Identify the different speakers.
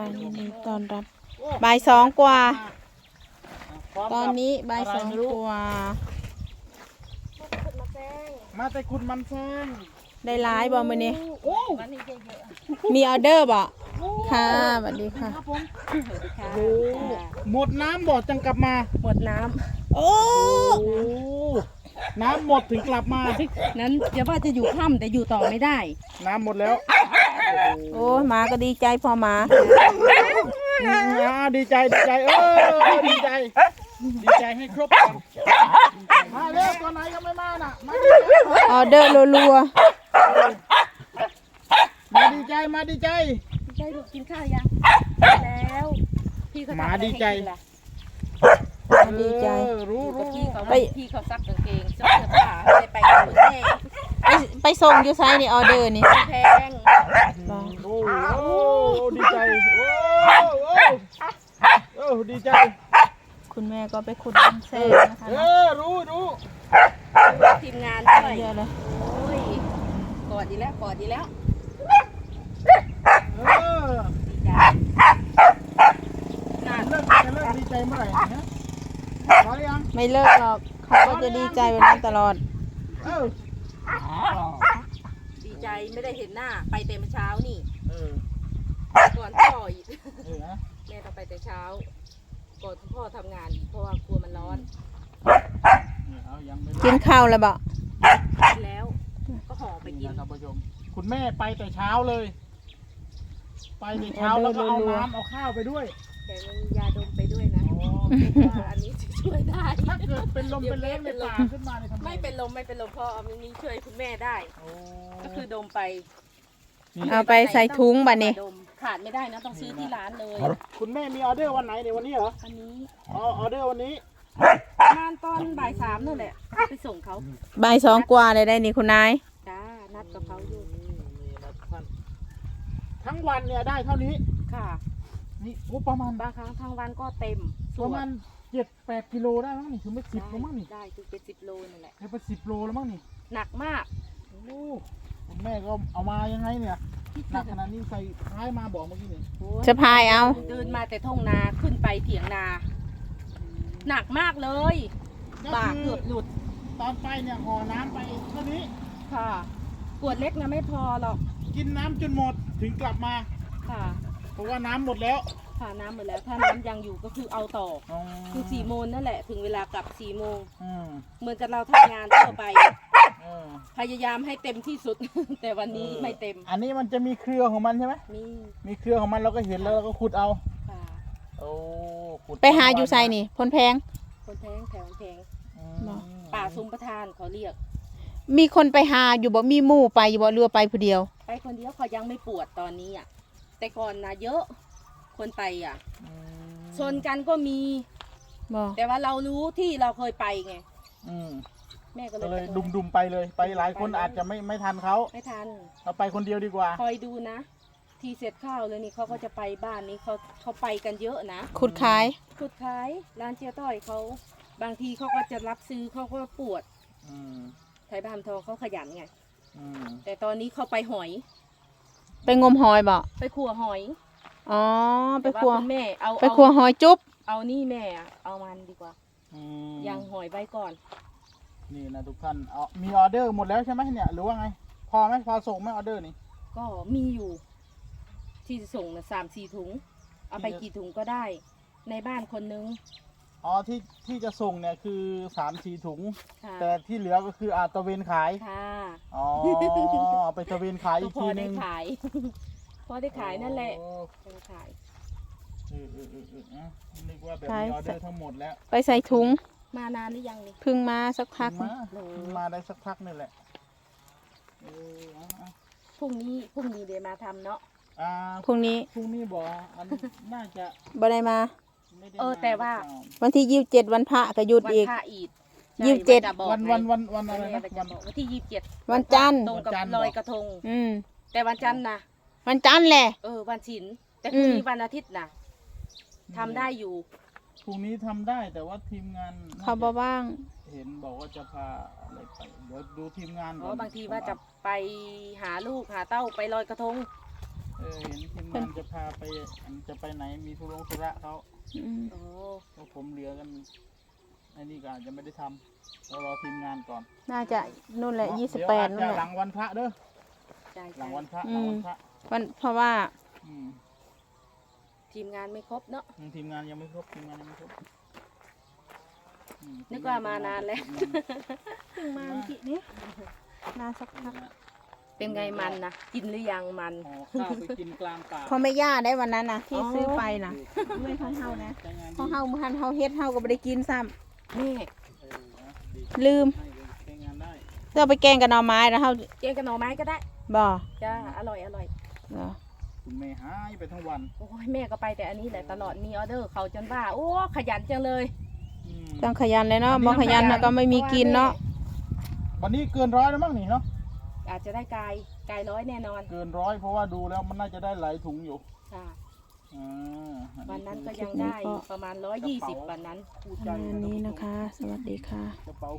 Speaker 1: ยินดีต้อนรับบ่ายสองกว่าตอนนี้บ่ายสองกว่า
Speaker 2: มาแต่คุณมันแซง
Speaker 1: ได้หลายบ่มื้อนี้มีออเดอร์บ่ค่ะสวัสดีค่ะ
Speaker 2: หมดน้ำบ่จังกลับมา
Speaker 3: หมดน้ำ
Speaker 1: โอ้
Speaker 2: น้ำหมดถึงกลับมา
Speaker 3: นั้นอย่าว่าจะอยู่ค่ำแต่อยู่ต่อไม่ได้
Speaker 2: น้ำหมดแล้ว
Speaker 1: โอ้หมาก็ดีใจพอหมา
Speaker 2: ดีใจดีใจดีใจดีใจให้ครบมาเร็วตัวไหนก็ไม่มาน่ะ
Speaker 1: ออเดอร์รัว
Speaker 2: มาดีใจมาดีใจ
Speaker 3: ได้ลูกกินข้าวยังแล้วพี่เขา
Speaker 2: มาดีใจ
Speaker 1: ดีใจ
Speaker 2: รู้
Speaker 3: พี่เขาซักกางเกงซักเสื้อผ้าให้ไปกันหมดแน่
Speaker 1: ไปส่งอยู่ไซนี่ออเดอร์นี่
Speaker 3: แพง
Speaker 2: โอ้ดีใจโอ้ดีใจ
Speaker 1: คุณแม่ก็ไปขุดน้ำแซ่นะคะ
Speaker 2: รู้
Speaker 3: ทีมงานด้วย
Speaker 1: เยอะเลย
Speaker 3: โอ้ยกอดดีแล้วดีใจ
Speaker 2: น่าเลิกดีใจเมื่อไหร่นะพอยัง
Speaker 1: ไม่เลิกหรอกเขาก็จะดีใจแบบนั้นตลอด
Speaker 3: ดีใจไม่ได้เห็นหน้าไปแต่เช้านี่ก่อนพ่ออีกแม่ต้องไปแต่เช้าก่อนพ่อทำงานเพราะว่ากลัวมันร้อน
Speaker 1: กินข้าวแล้วบ่
Speaker 3: แล้วก็ห่อไปกิน
Speaker 2: ท่านผู้ชมคุณแม่ไปแต่เช้าเลยไปแต่เช้าแล้วก็เอาน้ำเอาข้าวไปด้วย
Speaker 3: แต่มันมียาดมไปด้วยนะอันนี้ช่วยได้
Speaker 2: ถ้าเกิดเป็นลมเป็นแรงในป่าขึ้นมาเลย
Speaker 3: ไม่เป็นลมเพราะมันนี้ช่วยคุณแม่ได้ก็คือดมไป
Speaker 1: เอาไปใส่ถุงบัดนี้
Speaker 3: ขาดไม่ได้นะต้องซื้อที่ร้านเลย
Speaker 2: คุณแม่มีออเดอร์วันไหนเดี๋ยววันนี้เหรอ
Speaker 3: วันนี้
Speaker 2: ออเดอร์วันนี้
Speaker 3: ประมาณตอนบ่ายสามนั่นแหละไปส่งเขา
Speaker 1: บ่ายสองกว่าเลยได้นี่คุณนาย
Speaker 3: จ้านัดกับเขาอยู่
Speaker 2: ทั้งวันเนี่ยได้เท่านี้
Speaker 3: ค่ะ
Speaker 2: นี่ประมาณ
Speaker 3: บางครั้งทั้งวันก็เต็ม
Speaker 2: ประมาณ7-8 กิโลได้มั้งนี่คือไม่10แล้วมั้งนี่
Speaker 3: ได้คือเป็น10 โลนั่นแหละ
Speaker 2: เป็น10 โลแล้วมั้งนี่
Speaker 3: หนักมาก
Speaker 2: คุณแม่ก็เอามายังไงเนี่ยหนักขนาดนี้ใส่ท้ายมาบอกเมื่อกี้นี่
Speaker 1: จะพายเอา
Speaker 3: เดินมาแต่ทุ่งนาขึ้นไปเถียงนาหนักมากเลยบ่าเกือบหลุด
Speaker 2: ตอนไปเนี่ยห่อน้ำไปเท่านี้
Speaker 3: ค่ะขวดเล็กนะไม่พอหรอก
Speaker 2: กินน้ำจนหมดถึงกลับมา
Speaker 3: ค่ะ
Speaker 2: เพราะว่าน้ำหมดแล้ว
Speaker 3: ค่ะน้ำหมดแล้วถ้าน้ำยังอยู่ก็คือเอาต่อคือ4 โมงนั่นแหละถึงเวลากลับ4 โมงเหมือนกับเราทำงานทั่วไปพยายามให้เต็มที่สุดแต่วันนี้ไม่เต็ม
Speaker 2: อันนี้มันจะมีเครือของมันใช่ไหมมีเครือของมันเราก็เห็นแล้วเราก็ขุดเอา
Speaker 3: ค่ะ
Speaker 1: ขุดไปหาอยู่ไซนี่พลแพง
Speaker 3: แถวแพงป่าซุ้มประธานเขาเรียก
Speaker 1: มีคนไปหาอยู่บ่มีหมู่ไปอยู่บ่เรือไปผู้เดียว
Speaker 3: ไปคนเดียวเขายังไม่ปวดตอนนี้อ่ะแต่ก่อนนะเยอะคนไปอ่ะชนกันก็มีแต่ว่าเรารู้ที่เราเคยไปไงแม่ก็เลย
Speaker 2: ดุมไปเลยไปหลายคนอาจจะไม่ทันเขา
Speaker 3: ไม่ทัน
Speaker 2: เราไปคนเดียวดีกว่า
Speaker 3: คอยดูนะทีเสร็จข้าวเลยนี่เขาก็จะไปบ้านนี้เขาไปกันเยอะนะ
Speaker 1: ขุดขาย
Speaker 3: ร้านเจียต้อยเขาบางทีเขาก็จะรับซื้อเขาก็ปวดไทยบ้านทองเขาขยันไงแต่ตอนนี้เขาไปหอย
Speaker 1: ไปงมหอยบ่
Speaker 3: ไปขัวหอย
Speaker 1: อ๋อไปขัว
Speaker 3: แม่เอา
Speaker 1: ไปขัวหอยจุ๊บ
Speaker 3: เอานี่แม่เอามันดีกว่ายังหอยไว้ก่อน
Speaker 2: นี่นะทุกท่านมีออเดอร์หมดแล้วใช่ไหมเนี่ยหรือว่าไงพอไหมพอส่งไหมออเดอร์นี่
Speaker 3: ก็มีอยู่ที่จะส่งนะ3-4 ถุงเอาไปกี่ถุงก็ได้ในบ้านคนนึง
Speaker 2: ที่จะส่งเนี่ยคือ3-4 ถุงแต่ที่เหลือก็คือตะเวนขาย
Speaker 3: ค่ะ
Speaker 2: ไปตะเวนขายอีกทีนึง
Speaker 3: พอได้ขายนั่นแหละไปขาย
Speaker 2: นึกว่าแบบมีออเดอร์ทั้งหมดแล้ว
Speaker 1: ไปใส่ถุง
Speaker 3: มานานหรือยังนี่
Speaker 1: เพิ่งมาสักพัก
Speaker 2: มาได้สักพักนี่แหละ
Speaker 3: พรุ่งนี้เดี๋ยวมาทำเนาะ
Speaker 1: พรุ่งนี้
Speaker 2: บอกน่าจะ
Speaker 1: บ่ได้มา
Speaker 3: แต่ว่า
Speaker 1: วันที่27วันพระก็หยุดอีก27
Speaker 2: วันอะไรนะ
Speaker 3: วันที่27
Speaker 1: วันจันทร์
Speaker 3: ตรงกับลอยกระทงแต่วันจันทร์นะ
Speaker 1: วันจันทร์แหละ
Speaker 3: วันศีลแต่พรุ่งนี้วันอาทิตย์นะทำได้อยู่
Speaker 2: พรุ่งนี้ทำได้แต่ว่าทีมงาน
Speaker 1: เขาบ่ว่าง
Speaker 2: เห็นบอกว่าจะพาอะไรไปเดี๋ยวดูทีมงาน
Speaker 3: บางทีว่าจะไปหาลูกหาเต้าไปลอยกระทง
Speaker 2: เห็นทีมงานจะพาไปจะไปไหนมีธุระเขา
Speaker 3: โอ้
Speaker 2: แล้วผมเหลือกันไอ้นี่ก็อาจจะไม่ได้ทำเรารอทีมงานก่อน
Speaker 1: น่าจะนู่นแหละ
Speaker 2: เดี๋ยว
Speaker 1: 28นู่น
Speaker 2: อาจ
Speaker 1: แห
Speaker 2: จะหลั
Speaker 1: ละ
Speaker 2: งวันพระเด้อ
Speaker 3: ใช่
Speaker 2: หลังวันพระ
Speaker 1: อื
Speaker 2: หลัง
Speaker 1: ม
Speaker 2: วันพระ
Speaker 1: เพราะว่า
Speaker 2: อืม
Speaker 3: ทีมงานไม่ครบเนาะ
Speaker 2: ทีมงานยังไม่ครบทีมงานยังไม่ครบอื
Speaker 3: นึกว่ามานานแล้ว
Speaker 1: เพิ่งมาเมื่อกี้นี้นานสักพัก
Speaker 3: เป็นไงมันนะกินหรือยังมัน
Speaker 2: ห่อข้าวไปกินกลางป่า
Speaker 1: เขาไม่ย่าได้วันนั้นนะที่ซื้อไปนะไม่ของเฮานะ
Speaker 2: ใช้งาน
Speaker 1: ของ
Speaker 2: ดี
Speaker 1: เฮาพันเฮาเฮ็ดเฮาก็ไม่ได้กินซ้
Speaker 3: แม่
Speaker 2: นะดี
Speaker 1: ำลืม
Speaker 2: ให้เลยใช้งานได้
Speaker 1: เราไปแกงกับหน่อไม้แล้วเฮา
Speaker 3: แกงกับหน่อไม้ก็ได้
Speaker 1: บ่
Speaker 3: จ้าอร่อยอร่อย
Speaker 1: เหรอ
Speaker 2: คุณแม่หายไปทั้งวัน
Speaker 3: โอ้ยแม่ก็ไปแต่อันนี้แหละตลอดมีออเดอร์เขาจนว่าโอ้ขยันจังเลย
Speaker 2: อืม
Speaker 1: ต้องขยันเลยเนาะบ่ขยันแล้วก็ไม่มีกินเนาะ
Speaker 2: วันนี้เกินร้อยแล้วมั้งนี่เนาะ
Speaker 3: อาจจะได้กายร้อยแน่นอน
Speaker 2: เกินร้อยเพราะว่าดูแล้วมันน่าจะได้หลายถุงอยู่
Speaker 3: ค่ะ
Speaker 2: อ่าอั
Speaker 3: วันนั้น
Speaker 2: คือ
Speaker 3: ก็ยังได้ประมาณ120วันนั้น
Speaker 2: คู่ใจ
Speaker 1: ประมาณนี้นะคะ สวัสดีค่ะ
Speaker 2: กระเป๋า